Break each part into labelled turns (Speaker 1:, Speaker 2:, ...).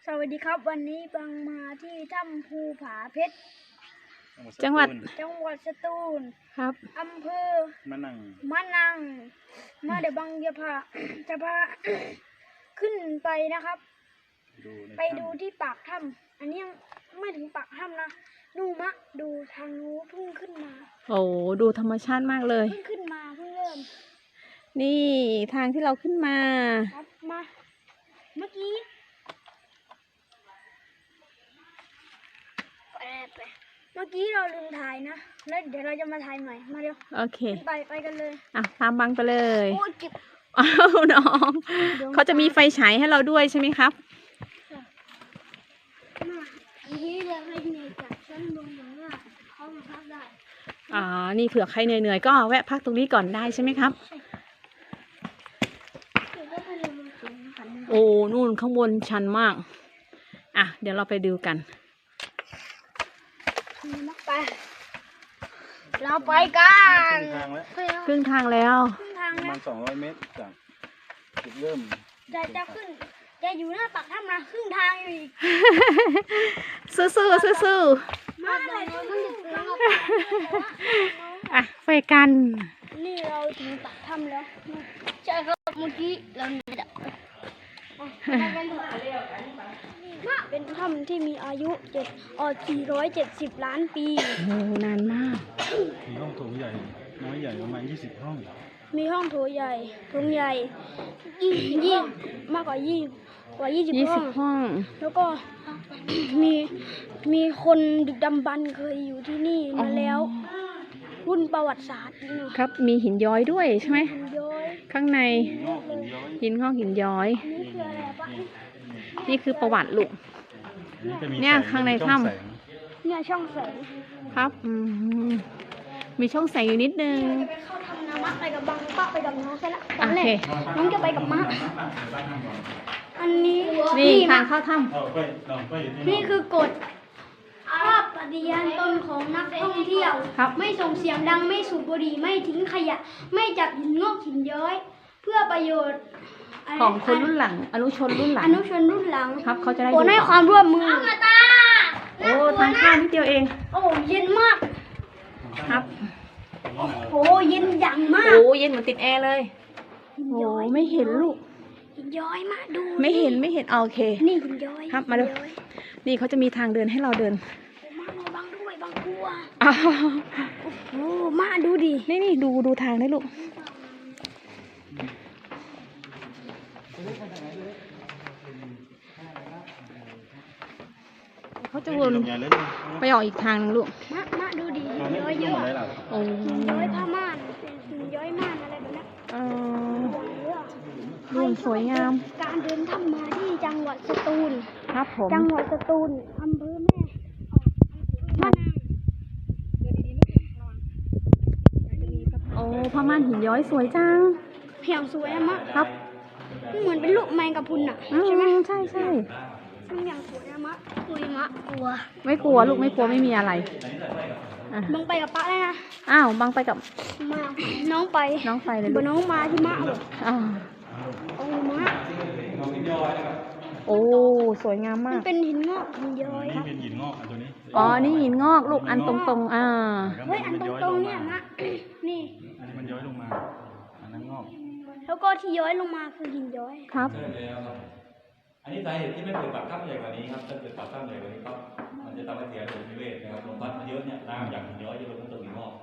Speaker 1: สวัสดีครับวันนี้บังมาที่ถ้ำภูผาเพชร
Speaker 2: จังหวัด
Speaker 1: สตูล
Speaker 2: ครับ
Speaker 1: อำเภอมะนังมาเดี๋ยวบังจะพา ขึ้นไปนะครับ ไปดูที่ปากถ้ำอันนี้ยังไม่ถึงปากถ้ำนะดูทางนู้นเพิ่งขึ้นมา
Speaker 2: โอ้ดูธรรมชาติมากเลย
Speaker 1: เพิ่งขึ้นมาเพิ่งเริ่ม
Speaker 2: นี่ทางที่เราขึ้นมา
Speaker 1: ครับมาเมื่อกี้เราลืมถ่ายนะแล้วเดี๋ยวเราจะมาถ่ายใหม่มาเร็ว
Speaker 2: โอเค
Speaker 1: ไปกันเลย
Speaker 2: ตามบังไปเลย
Speaker 1: โอ้ยจิบ
Speaker 2: อ้าวน้องเขาจะมีไฟฉายให้เราด้วยใช่ไหมครับ
Speaker 1: นี่เลยให้เหนื่อยจากชั้นลงอย่างนี้เขามาพักได้
Speaker 2: นี่เผื่อใครเหนื่อยๆก็แวะพักตรงนี้ก่อนได้ใช่ไหมครับโอ้นู่นข้างบนชันมากเดี๋ยวเราไปดูกัน
Speaker 1: ไปเราไปกัน
Speaker 2: ครึ่งทางแล้ว
Speaker 3: ประมาณ200 เมตรจากจุดเริ่ม
Speaker 1: จะขึ้นจะอยู่หน้าปากถ้ำนะครึ่งทางอยู่อีก
Speaker 2: สู้
Speaker 1: มาเลย
Speaker 2: ไปกัน
Speaker 1: นี่เราถึงปากถ้ำแล้วใช่ครับเมื่อกี้เราเป็นถ้ำที่มีอายุ470 ล้านปี
Speaker 2: โอ้นานมาก
Speaker 3: มีห้องโถงใหญ่น้อยใหญ่ประมาณ20 ห้อง
Speaker 1: มีห้องโถงใหญ่มากกว่า20
Speaker 2: ห้อง
Speaker 1: แล้วก็มีคนดึกดำบรรพ์เคยอยู่ที่นี่มาแล้วรุ่นประวัติศาสตร์
Speaker 2: ครับมีหินย้อยด้วยใช่ไหมข้างในหินงอกหินย้อยนี่คือประวัติลูกเนี่ยข้างในถ้ำ
Speaker 1: เนี่ยช่องแสง
Speaker 2: ครับมีช่องแสงอยู่นิดนึง
Speaker 1: เข้าทำน้ำมะไปกับบังป้าไปกับน้องแค่ละตอนแรกน้องจะไปกับมะอันนี้
Speaker 2: นี่ทางเข้าถ้ำ
Speaker 1: นี่คือกฎภาพปฏิญาณตนของนักท่องเที่ยวไม่ส่งเสียงดังไม่สูบบุหรี่ไม่ทิ้งขยะไม่จับหินงอกหินย้อยเพื่อประโยชน์
Speaker 2: ของคนรุ่นหลังอนุชนรุ่นหลังครับเขาจะได้
Speaker 1: ให้ความร่วมมือ
Speaker 2: โอ้ทางข้ามนิดเดียวเอง
Speaker 1: โอ้เย็นมาก
Speaker 2: ครับ
Speaker 1: โอ้เย็นอย่างมาก
Speaker 2: โอ้เย็นเหมือนติดแอร์เลยโอ้ไม่เห็นลูก
Speaker 1: หินย้อยมาดู
Speaker 2: ไม่เห็นโอเค
Speaker 1: นี่หินย้อย
Speaker 2: ครับมาดูนี่เขาจะมีทางเดินให้เราเดิน
Speaker 1: มาบังด้วยบังกลัวโอ้มาดูดิ
Speaker 2: นี่ดูทางได้ลูกเขาจะวนไปออกอีกทางนึงลูก
Speaker 1: มาดูดิย้อยเยอะ
Speaker 2: โอ้
Speaker 1: ย้อยผ้าม่านย้อยม่านอะไรแบบนี้
Speaker 2: ดูสวยงาม
Speaker 1: การเดินถ้ำมาที่จังหวัดสตูล
Speaker 2: ครับผม
Speaker 1: จังหวัดสตูลอำเภอแม่มะนาว
Speaker 2: โอ้ผ้าม่านหินย้อยสวยจัง
Speaker 1: เพียงสวยมาก
Speaker 2: ครับ
Speaker 1: เหมือนเป็นลูกแมงกะพรุนใช่ไหม
Speaker 2: ใช่
Speaker 1: อย่างสวยมะกลัว
Speaker 2: ไม่กลัวลูกไม่กลัวไม่มีอะไร
Speaker 1: บังไปกับป้าได้นะ
Speaker 2: บังไปกับ
Speaker 1: มาน้องไป
Speaker 2: เลย
Speaker 1: น้องมาที่มะโอ้มะ
Speaker 2: โอ้สวยงามมาก
Speaker 1: เป็นหินงอกหินย้อย
Speaker 3: ครับเป็นหินงอกตัวนี้
Speaker 2: นี่หินงอกลูกอันตรง
Speaker 1: เฮ้ยอันตรงเนี่ยมะนี่
Speaker 3: อันนี้มันย้อยลงมาอันนั้นงอก
Speaker 1: แล้วก็ที่ย้อยลงมาคือหินย้อย
Speaker 2: ครับ
Speaker 4: อันนี้สาเหตุที่ไม่เปิดปากถ้ำใหญ่กว่านี้ครับถ้าเปิดปากถ้ำใหญ่กว่านี้ก็มันจะทำให้เสียระบบนิเวศนะครับลมพัดมาเยอะเนี่ยน้ำอย่างหินย้อยจะลงตัวหินงอก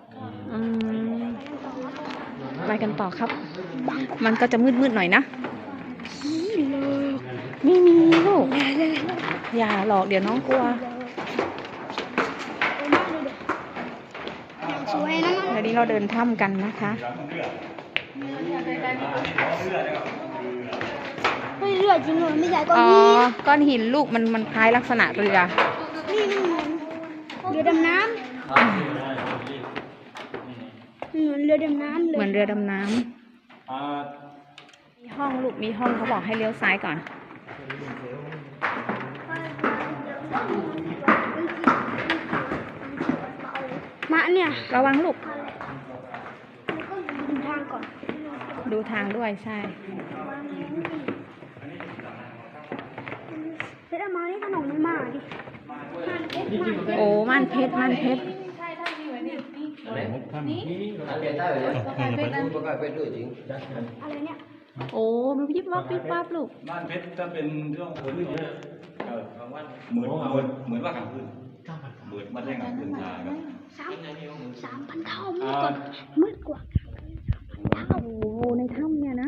Speaker 2: ไปกันต่อครับมันก็จะมืดหน่อยนะไม่มีลูกอย่าหลอกเดี๋ยวน้องกลัวเดี๋ยวนี้เราเดินถ้ำกันนะคะ
Speaker 1: เรือจริงเลยไม่ใช่
Speaker 2: ก้อนหินลูกมันคล้ายลักษณะเรือ
Speaker 1: นี่เรือดำน้ำเหมือนเรือดำน้ำเลย
Speaker 2: เหมือนเรือดำน้ำมีห้องลูกมีห้องเขาบอกให้เลี้ยวซ้ายก่อน
Speaker 1: มาเนี่ย
Speaker 2: ระวังลูก
Speaker 1: ดูทางก่อน
Speaker 2: ดูทางด้วยใช่
Speaker 1: เชรเอามานี่ขนมมันมาดิ
Speaker 2: โอ้ม่านเพชรม่านเพชร
Speaker 1: อะไรเนี่ย
Speaker 2: โอ้มันยิบวับวิบวับลูก
Speaker 4: บ้านเพชรจะเป็นเรื่องคนที่เหมือนว่ากลางคืนเหมือนมาแรงกลางคืนตายครับ
Speaker 1: 3,000 เท่ามืดกว่า
Speaker 2: โอ้โหในถ้ำเนี่ยนะ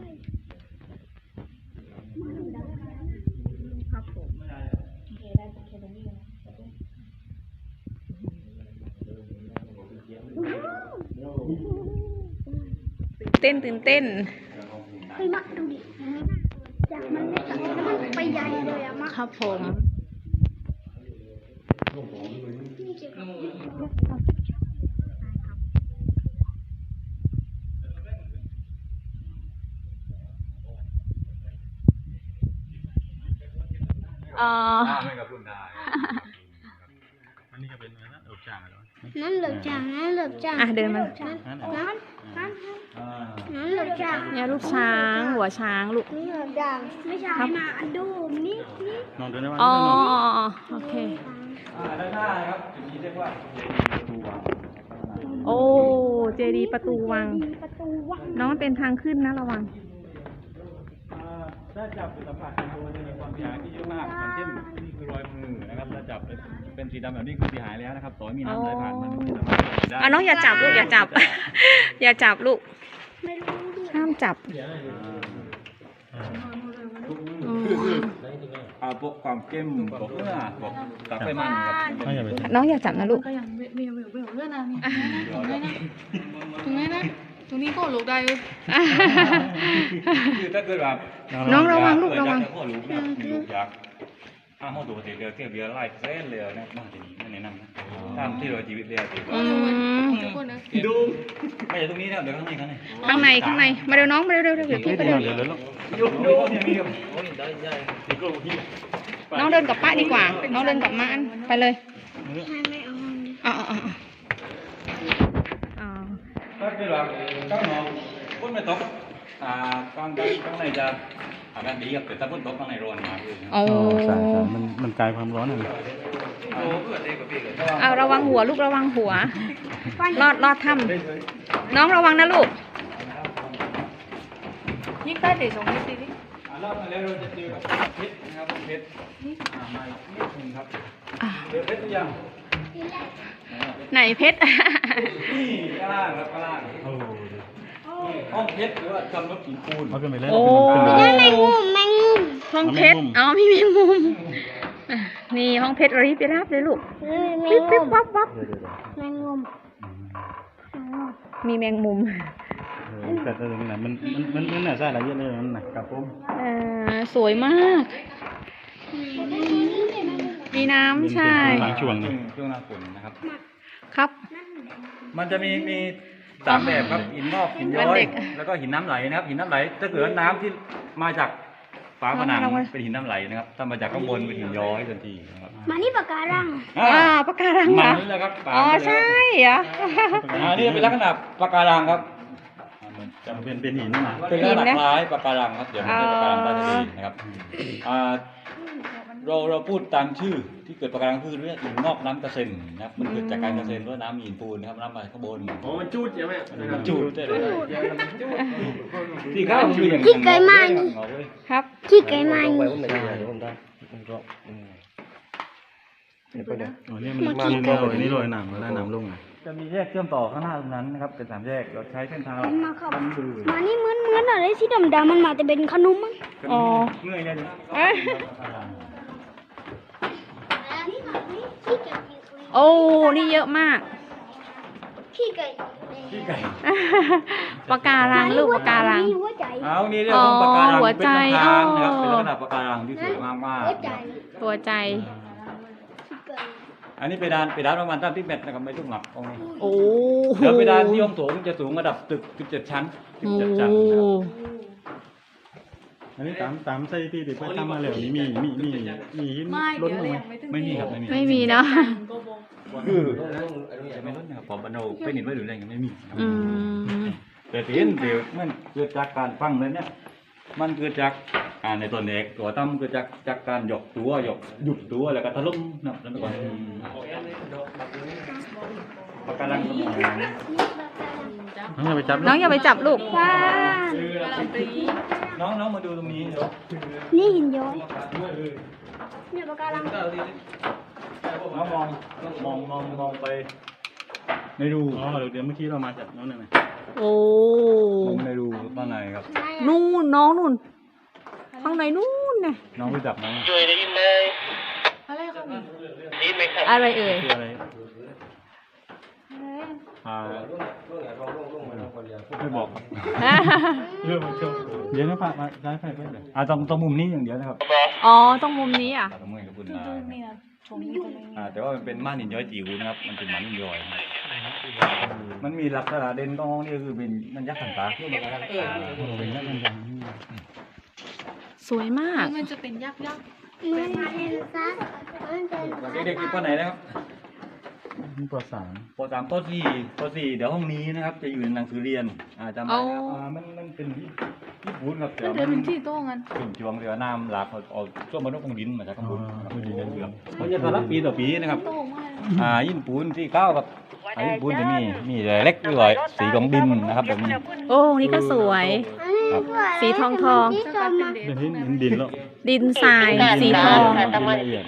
Speaker 2: ตื่นเต้น
Speaker 1: เฮ้ยมักดูดิจากมันเล็กแล้วมันไปใหญ่เลยอะมัก
Speaker 2: ครับผม
Speaker 4: ไม่กับรุ่นได้
Speaker 3: อันนี้ก็เป็นอะไรนะจ่างเหรอ
Speaker 1: นั่นเหลือจางนั่นเหลือจาง
Speaker 2: อ่ะเดินมา
Speaker 1: นั่นเหลือจาง
Speaker 2: เนี่ยลูกช้างหัวช้างลูก
Speaker 1: นี่เหลือจางไม่ใช่นะอันดูนี่
Speaker 3: นอนเดินได้ไหม
Speaker 2: อ๋อโอเค
Speaker 4: ด้านหน้าครับจุดนี้เรียกว่าประตูวัง
Speaker 2: โอ้เจดีย์ประตูวัง
Speaker 1: ประตูวัง
Speaker 2: น้องมันเป็นทางขึ้นนะระวัง
Speaker 4: ถ้าจับสัมผัสเป็นตัวจะมีความเสียหายที่เยอะมากอย่างเช่นนี่คือรอยมือนะครับถ้าจับเป็นสีดำแบบนี้คือเสียหายแล้วนะครับต่อให้มีน้ำไหลผ่านมันไม่สามารถจับได้
Speaker 2: น้องอย่าจับลูกอย่าจับ อย่าจับลูก
Speaker 1: ไม่รู้ดิ
Speaker 2: ห้ามจับ
Speaker 4: พวกความเข้มพวกเนื้อพวกตับไขมันครับ
Speaker 3: ไม่อย่าไป
Speaker 2: น้องอย่าจับนะลูก
Speaker 5: ก็ยังไม่เลื่อนนะนี่ตรงนี้นะตรงนี้ก็ลูกได้เลย
Speaker 4: คือถ้าเกิดแบบ
Speaker 2: น้องระวังลูกระวัง
Speaker 4: พ่อลูกนะลูกอยากห้องตัวเดียวเที่ยวเบียร์ไล่เส้นเลยนะบ้านที่นี่ไม่แนะนำนะตามที่เราชีวิตเรียก
Speaker 2: อืม
Speaker 4: ดูไม่ใช่ตรงนี้นะเดี๋ยวข้างในข้างใน
Speaker 2: ข้างในมาเร็วน้องมาเร็วเดี๋ยวพี่ไปเร็ว
Speaker 3: เดี๋ยวแล้ว
Speaker 4: ดูเนี่ยมีกับ
Speaker 2: น้องเดินกับป้าดีกว่า น้องเดินกับม้าอันไปเลย
Speaker 1: ไม่เอา
Speaker 2: อ๋อ
Speaker 4: ถ้าเกิดว่าข้างนอกฝนไม่ตกข้างในจะอากาศดีครับแต่ถ้าฝนตกข้างในร้อนมากเลย
Speaker 2: โอ้
Speaker 3: ใช่มันกลายความร้อนอะไร
Speaker 2: เอาระวังหัวลูกระวังหัว รอดถ้ำน้องระวังนะลูก
Speaker 5: ยิ่งใต้เดี๋ยวส่งให้ซีรีส์
Speaker 4: รอบมาแล้วเราจะเจอกับเพชรนะครับเพชรมาอีกนิดนึงครับเจอเพชรหรือยัง
Speaker 2: ไหนเพชร
Speaker 4: นี่ข้างล่างครับข้างล่าง
Speaker 3: โอ้
Speaker 4: ห้องเพชรหรือว่าทำรถหินปูน
Speaker 3: เอาขึ้นไปเล่น
Speaker 2: โอ้
Speaker 3: ขึ้นไป
Speaker 1: แมงมุมแมงมุม
Speaker 2: ห้องเพชร อ๋อมีแมงมุมนี่ห้องเพชรรีบไปรับเลยลูก
Speaker 1: แม
Speaker 2: ปิ๊
Speaker 1: ง
Speaker 2: บ
Speaker 1: มุ
Speaker 2: ปิ๊บ
Speaker 1: ม
Speaker 2: วับวับ
Speaker 1: แมงมุม
Speaker 2: มีแมงมุม
Speaker 3: แต่ตรงนี้นะมันน่ะใช่ละเยอะเลยมันน่ะกับผม
Speaker 2: สวยมาก มีน้ำใช่
Speaker 3: หลังช่วง
Speaker 4: ช่วงหน้าฝนนะครับ
Speaker 2: ครับ
Speaker 4: มันจะมีสามแบบครับหินงอกหินย้อ
Speaker 2: วันเด็
Speaker 4: ย
Speaker 2: ก
Speaker 4: แล้วก็หินน้ำไหลนะครับหินน้ำไหลถ้าเกิดว่าน้ำที่มาจากฝาผนังเป็นหินน้ำไหลนะครับถ้ามาจากข้างบนเป็นหินย้อยทันทีนะครับ
Speaker 1: มานี่ปากการัง
Speaker 2: ปะการังเหร
Speaker 4: มั
Speaker 2: อน
Speaker 4: นี่แหละครับ
Speaker 2: อ๋อใช่เหรอ
Speaker 4: นี่เป็นลักษณะปะการังครับ
Speaker 3: จะเป็นหินนะ
Speaker 4: เป็นลักษณะคล้ายปะการังครับเดี๋ยวไม่ใช่ปะการังใต้ทะเลนะครับเราพูดตามชื่อที่เกิดปะการังคือเรื่องหินงอกน้ำกระเซ็นนะครับมันเกิดจากการกระเซ็นด้วยน้ำหินปูนนะครับน้ำมาข้างบน
Speaker 6: อ๋อมันจูดใช่ไหม
Speaker 4: มันจูดได้เลยที่ข้าวคืออย่าง
Speaker 1: ขี้ไก่มานี่
Speaker 2: ครับ
Speaker 1: ขี้ไก่มานี่
Speaker 3: อ๋อนี่มันนี่ลอยหนังแล้วหนังลง
Speaker 4: จะมีแยกเชื่อมต่อข้างหน้าตรงนั้นนะครับเป็นสามแยกเราใช้เส้นทาง
Speaker 1: มาครับมานี่เหมือนอะไรที่ดำๆมันมาแต่เป็นขนมมั้ง
Speaker 2: อ๋อ
Speaker 4: เมื่อยเลย
Speaker 2: โอ้ นี่เยอะมาก
Speaker 1: ขี้ไก่
Speaker 4: ที่ไก่
Speaker 2: ปะการังลูกปะการัง
Speaker 1: หัวใจ
Speaker 4: เอานี่เรียกว่าปะการัง
Speaker 2: หัว
Speaker 4: เป็น
Speaker 2: ใจ
Speaker 4: ทางนะครับ
Speaker 2: อ๋อ
Speaker 4: เป็นลักษณะปะการังที่สวยมากมาก
Speaker 1: หัวใจ
Speaker 2: หัวใจ
Speaker 4: อันนี้ไปดานประมาณ30 เมตรนะครับไม่ต้องหนักตรงนี้
Speaker 2: โอ้
Speaker 4: เดี๋ยวไปดานที่ห้องโถงจะสูงระดับตึก17 ชั้น
Speaker 2: โอ้
Speaker 4: 17 ชั้นนะครับ
Speaker 3: อันนี้ตามไส้ที่ติดไปทำมาแล้วนี่มีหิน
Speaker 5: ไม่
Speaker 3: ล้น
Speaker 5: เดี๋ยว
Speaker 3: ลง
Speaker 5: เลย
Speaker 3: ไหม
Speaker 5: ยังไม่ถึง
Speaker 4: ไม่มีครับไม่มี
Speaker 2: ไม่มีเนาะ
Speaker 4: คือจะไม่ลดนะครับผมบรรโนเป็นหินไว้หรืออะไรยังไม่มีครับ
Speaker 2: อืม
Speaker 4: แต่ที่เห็นเดี๋ยวมันเกิดจากการฟังเลยเนี่ยมันเกิดจากในตัวเอกตัวตั้มเกิดจากการหยุดตัวแล้วก็ทะลุนะแล้วไปก่อนปากการังสมอง
Speaker 3: น้องอย่าไปจับ
Speaker 2: น้องอย่าไปจับลูก
Speaker 1: ว้า
Speaker 4: น้องมาดูตรงนี้เดี๋ยว
Speaker 1: นี่หินย้อยเนี่ยปะการัง
Speaker 4: น้องมองไปในรู
Speaker 3: อ๋อเดี๋ยวเมื่อกี้เรามาจากน้องนั่นไง
Speaker 2: โอ้
Speaker 4: มองในรูข้างในครับ
Speaker 2: นู่นน้องนู่นข้างในนู่นน่ะ
Speaker 4: น้องไปจับน้อง
Speaker 5: อะไรครับนี่
Speaker 2: อะไรเอ่ย
Speaker 3: คืออะไร
Speaker 4: ไม่บอกครับ
Speaker 3: เรื่องมันช่วงเดี๋ยวนะพามาได้ไปเดี๋ยว
Speaker 4: ต้องมุมนี้อย่างเดียวนะครับ
Speaker 2: อ๋อต้องมุมนี้อ่ะ
Speaker 4: ต้องมุมกับคุณ
Speaker 5: นี่นะชมนี่ตรงนี้
Speaker 4: แต่ว่ามันเป็นม่านหินย้อยจิ๋วนะครับมันเป็นม่านหินย้อยมันมีลักษณะเด่นตรงนี่คือเป็นมันยักษ์ขันตา
Speaker 3: เป็นนักการเมือง
Speaker 2: สวยมาก
Speaker 5: มันจะเป็นยักษ์
Speaker 1: มันเป็นซักมันเป็น
Speaker 4: เด็กๆอยู่ป.ไหนนะครับ
Speaker 3: ปสาม
Speaker 4: ป.3ป.4เดี๋ยวห้องนี้นะครับจะอยู่ในหนังสือเรียนจำได้ครับมันเป็นที่พูดครับ
Speaker 5: มันเดินเป็นที่โต้งกัน
Speaker 4: ขึ้นจวงเรือน้ำหลากเอาช่วงบรรทุกของดินมาจากข้างบนเขาจะสลับปีต่อปีนะครับ
Speaker 5: โต้งมาก
Speaker 4: ยินปูนที่9กับยินปูนจะมีเล็กด้วยสีของดินนะครับแบบนี้
Speaker 2: โอ้นี่ก็สวย สีทองทอง
Speaker 5: สักพักเป็นเด็ก
Speaker 3: เดี๋ยวนี้เห็นดินแล้ว
Speaker 2: ดินทรายสีทอง
Speaker 3: ดินละเอียด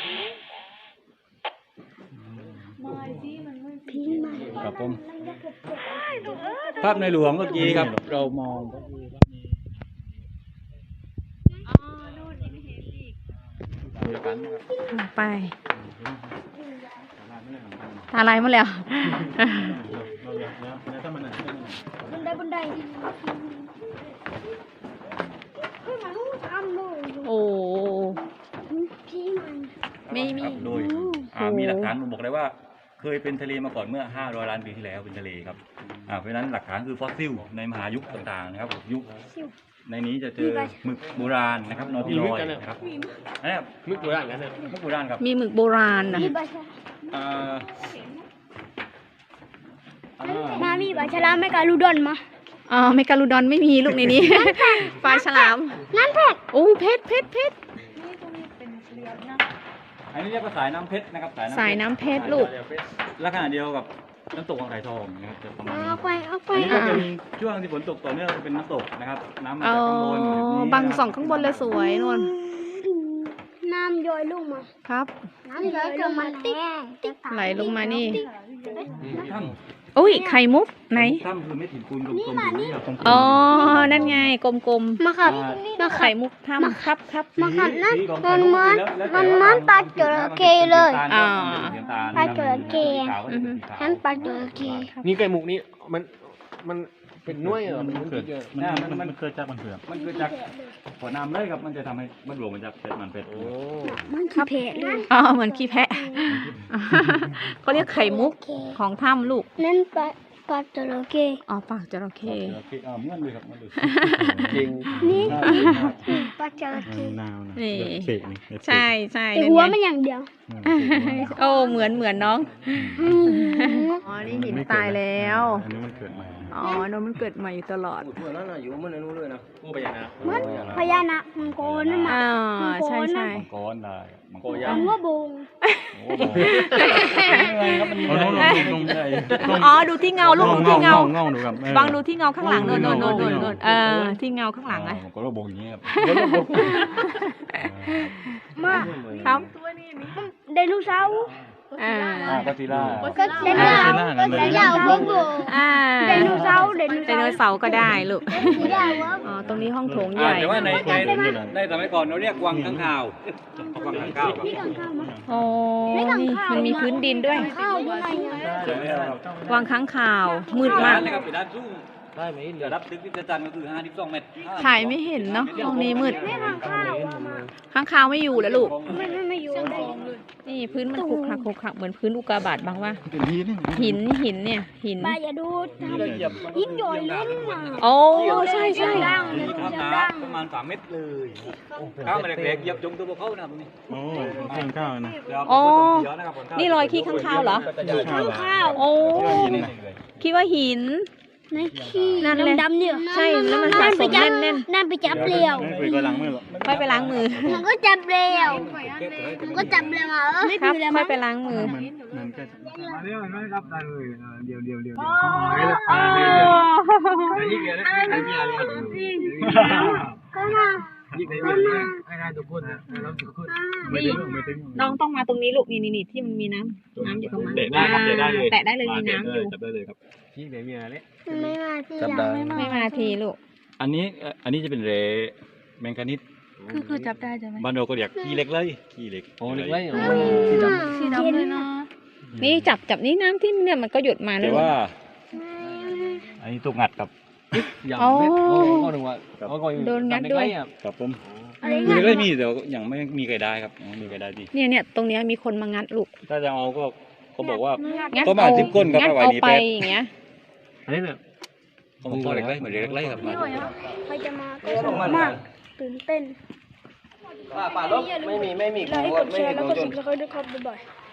Speaker 5: ไม่สิมันไม่
Speaker 1: ทิ้งมัน
Speaker 4: ครับผมภาพในหลวงเมื่อกี้ครับ
Speaker 3: เรามอง
Speaker 2: ไปตาลายหมดแล้ว
Speaker 3: เราอยากแล้วถ้ามันไหน
Speaker 1: บันไดเฮ้ยมันทำเลย
Speaker 2: โอ้
Speaker 1: พี่มัน
Speaker 2: ไม่มี
Speaker 4: ครับโดยมีหลักฐานผมบอกเลยว่าเคยเป็นทะเลมาก่อนเมื่อ500 ล้านปีที่แล้วเป็นทะเลครับเพราะฉะนั้นหลักฐานคือฟอสซิลในมหายุคต่างๆนะครับยุคในนี้จะเจอหมึกโบราณนะครับนอติลอยนะครับอันนี้หมึกโบราณกันหมึกโบราณครับ
Speaker 2: มีหมึกโบราณนะ
Speaker 1: มีปลาฉลามมามีปลาฉลามไม่กาลูดอนมา
Speaker 2: อ๋อเมกาลูดอนไม่มีลูกในนี้ ปลาฉลาม
Speaker 1: นั่นแพท
Speaker 2: โอ้เพชร
Speaker 5: นี่ตรงนี้เป็นเลี้ยงนะ
Speaker 4: อันนี้เรียกว่าสายน้ำเพชรนะครับ
Speaker 2: สายน้ำเพชรลูก
Speaker 4: ลักษณะเดียวกับน้ำตกของไข่ทองนะครับจะประมาณนี้
Speaker 1: เอาไป
Speaker 4: อันนี้ก็จะมีช่วงที่ฝนตกต่อเนื่องเป็นน้ำตกนะครับน้ำมา
Speaker 2: อ๋อ
Speaker 4: จากข้างบนแบบนี้
Speaker 2: บังส่องข้างบนเลยสวยนวล
Speaker 1: น้ำย้อยลงมา
Speaker 2: ครับ
Speaker 1: น้ำย้อยลงมาติ๊ก
Speaker 2: ไหลลงมานี่
Speaker 4: ถ้
Speaker 2: อุ้ยไข่มุกไหน
Speaker 4: ำถ้ำคือเม็ดหินปูนกลมๆอยู่นี่ครับ
Speaker 2: อ๋อ นั่นไงกลม
Speaker 1: มาขับ
Speaker 2: ๆไข่มุกถ้ำครับ
Speaker 1: มาขับนั่น
Speaker 4: สีของ
Speaker 1: มันเหมือน
Speaker 4: แล้ว
Speaker 1: มันเหมือนปลาจระเข้เลย
Speaker 2: อ่า
Speaker 1: ปลาจระเข้
Speaker 2: อือฮึ
Speaker 1: นั่นปลาจระเข้
Speaker 6: นี่ไก่หมุกนี่มันเป็นหน่วยเหรอมัน
Speaker 3: เกิด
Speaker 6: เยอะ
Speaker 3: มันเกิดจากมันเผือก
Speaker 4: มันเกิดจากหัวน้ำเลยครับมันจะทำให้มันรวมมันจะเป็นมันเป็ด
Speaker 6: โอ้
Speaker 1: มันขี้เพะเลย
Speaker 2: อ๋อ เหมือนขี้แพะ เขาเรียกไข่มุกของถ้ำลูก
Speaker 1: นั่นปลาจระเข้
Speaker 2: อ๋อ ปากจระเข้
Speaker 4: เหมือนเลยครับเหมือนเลย
Speaker 6: จริง
Speaker 1: นี่ปลาจระเข้
Speaker 3: นาวนะ
Speaker 2: นี่
Speaker 3: เสกนี่
Speaker 2: ใช่ใช่
Speaker 1: แต่
Speaker 2: นั่น
Speaker 1: หัว
Speaker 2: ไง
Speaker 1: มันอย่างเดียว
Speaker 2: โอ้เหมือนน้อง อ๋อ นี่หินตายแล้ว
Speaker 3: อันนี้มันเกิดใหม่
Speaker 2: อ๋อน้องมันเกิดใหม่อยู่ตลอด
Speaker 6: พูดทั่วแล้วนะอยู่มันนู้นเลยนะผู้พญานาค
Speaker 1: เหมือนพญานาคมังกรนั่นมา
Speaker 2: อ่า ใช่ใช่
Speaker 4: มังกรได้มังกร
Speaker 1: มังว่าบง
Speaker 4: โอ้โหครับมัน
Speaker 3: เอาลง
Speaker 2: อ๋อ ดูที่เงาลูกดูที่เงา
Speaker 3: เงาดูครับ
Speaker 2: บางดูที่เงาข้างหลังโน่นที่เงาข้างหลังไง
Speaker 4: มังกรบงอย่างนี้ครับ
Speaker 1: มา
Speaker 2: ครับ
Speaker 1: ไดโนเสาร์
Speaker 2: อ่า
Speaker 4: ก็ซีล่า
Speaker 1: ก็ไดโนเสาร์ก็ไดโนเสาร์บง
Speaker 2: อ่า
Speaker 1: ไดโนเสาร์
Speaker 2: ไดโนเสาร์ก็ได้ลูก
Speaker 1: ไม่ได้วะ
Speaker 2: อ๋อ ตรงนี้ห้องโถงใหญ่
Speaker 4: แต่ว่าในสมัยก่อนเราเรียกวังข้างคาววังข้างคาวครับ
Speaker 1: พี่กังข้าวมา
Speaker 2: อ๋อ นี่มันมีพื้นดินด้วย
Speaker 1: ข้าวอยู่ไหนอ่ะ
Speaker 2: วางค้างคาว มืดมาก
Speaker 4: เลยครับเป็นด้านสูง
Speaker 6: ได้ไหม
Speaker 4: เดี๋ยวรับตึกที่จะจันทร์ก็คือ52 เมตร
Speaker 2: ถ่ายไม่เห็นเนาะห้องนี้มืด
Speaker 1: ไม่กังข้าวอะมา
Speaker 2: ค้างคาวไม่อยู่แล้วลูก
Speaker 1: ไม่อยู่ได้
Speaker 2: นี่พื้นมันขรุขระเหมือนพื้นอุกกาบาตบ้างว่า
Speaker 3: เป็นทีนี่
Speaker 2: หินเนี่ย หิน
Speaker 1: ป้าอย่าดูยิ้มหย่อยลุ้นมา
Speaker 2: โอ้ ใช่ใช่
Speaker 1: ดัง
Speaker 4: มีข้าวหนาประมาณ3 เมตรเลยข้าวมันเล็กๆเหยียบจงตัวพวกเขานะครับตรงนี้
Speaker 3: โอ้ข้างข้าวนะ
Speaker 2: อ๋อ นี่รอยขี้ค้างคาวเหรอ
Speaker 1: ข้างข้าว
Speaker 2: โอ้ คิดว่าหิน
Speaker 1: ในขี้
Speaker 2: นั่นเลย
Speaker 1: ดำๆเนี่ย
Speaker 2: ใช่แล้วมันสะสมแน่น
Speaker 1: นั่นไปจับเปลี่ยว
Speaker 3: ไม่คุยก็ล้างมือหรอก
Speaker 2: ๆค่อยไปล้างมือ
Speaker 1: มันก็จับเปลี่ยวมันก็จับเปลี่ยวมาไม่
Speaker 2: ครับ
Speaker 1: คือแล้ว
Speaker 2: ค่อ
Speaker 1: มั้
Speaker 2: ย
Speaker 1: ง
Speaker 2: ไปล้างมือ
Speaker 3: มันแค่
Speaker 6: มาเร็วไม่รับได้เลยเดี๋ยว
Speaker 1: ก็มา
Speaker 6: ให้ได้ทุกคนนะเราทุกคน
Speaker 3: ไม่ถึงไม่ถึง
Speaker 2: น้องต้องมาตรงนี้ลูกนี่ที่มันมีน้ำอยู่ตรงนั้น
Speaker 4: เตะได้ครับเตะได้เลย
Speaker 2: แตะได้เลยมีน้ำอยู่
Speaker 4: จับได้เลยครับ
Speaker 6: ที่เดี๋ยวมีอะไร
Speaker 1: ไม่มาที่
Speaker 4: จับ
Speaker 1: หลั
Speaker 4: ได้
Speaker 1: ง
Speaker 2: ไม่มาทีลูก
Speaker 4: อันนี้จะเป็นเรแมงกานิส
Speaker 5: คือจับได้ใช่ไหม
Speaker 4: บ้านเราก็เรียกขี้เหล็กเลยขี้เหล็ก
Speaker 6: โอ้เล็กเลย
Speaker 5: สีดำเลยนะ
Speaker 2: นี่จับนี่น้ำที่เนี่ยมันก็หยดมาเล
Speaker 4: แต่
Speaker 2: ย
Speaker 4: ว่า อันนี้ถูกงัดกับ
Speaker 6: ยำเม็ดก็นึกว่า
Speaker 4: กับผม
Speaker 1: อะไร
Speaker 4: คือ
Speaker 1: เงี้ย
Speaker 4: เล็กๆมีแต่ยังไม่มีใครได้ครับยังไม่มีใครได้ดี
Speaker 2: เนี่ยตรงเนี้ยมีคนมางัดลูก
Speaker 4: ถ้าจะเอาก็เขาบอกว่า
Speaker 2: งัด
Speaker 4: ก็มาจิ้มก้นกับ
Speaker 2: งัด
Speaker 4: เอาไว้
Speaker 2: เอา
Speaker 4: นี่
Speaker 2: ไป
Speaker 4: แป๊บ
Speaker 2: อย่างเงี้ย
Speaker 6: อันนี้เนี่ย
Speaker 4: เขาบอกเล็กๆเหมือนเล็กๆครับ
Speaker 1: ใครจะมาก็สนุกมากตื่นเต้น
Speaker 6: ป่าลบไม่มี
Speaker 1: ไลค์กดแชร์แล้วก็subscribeด้วยครับบ๊ายบาย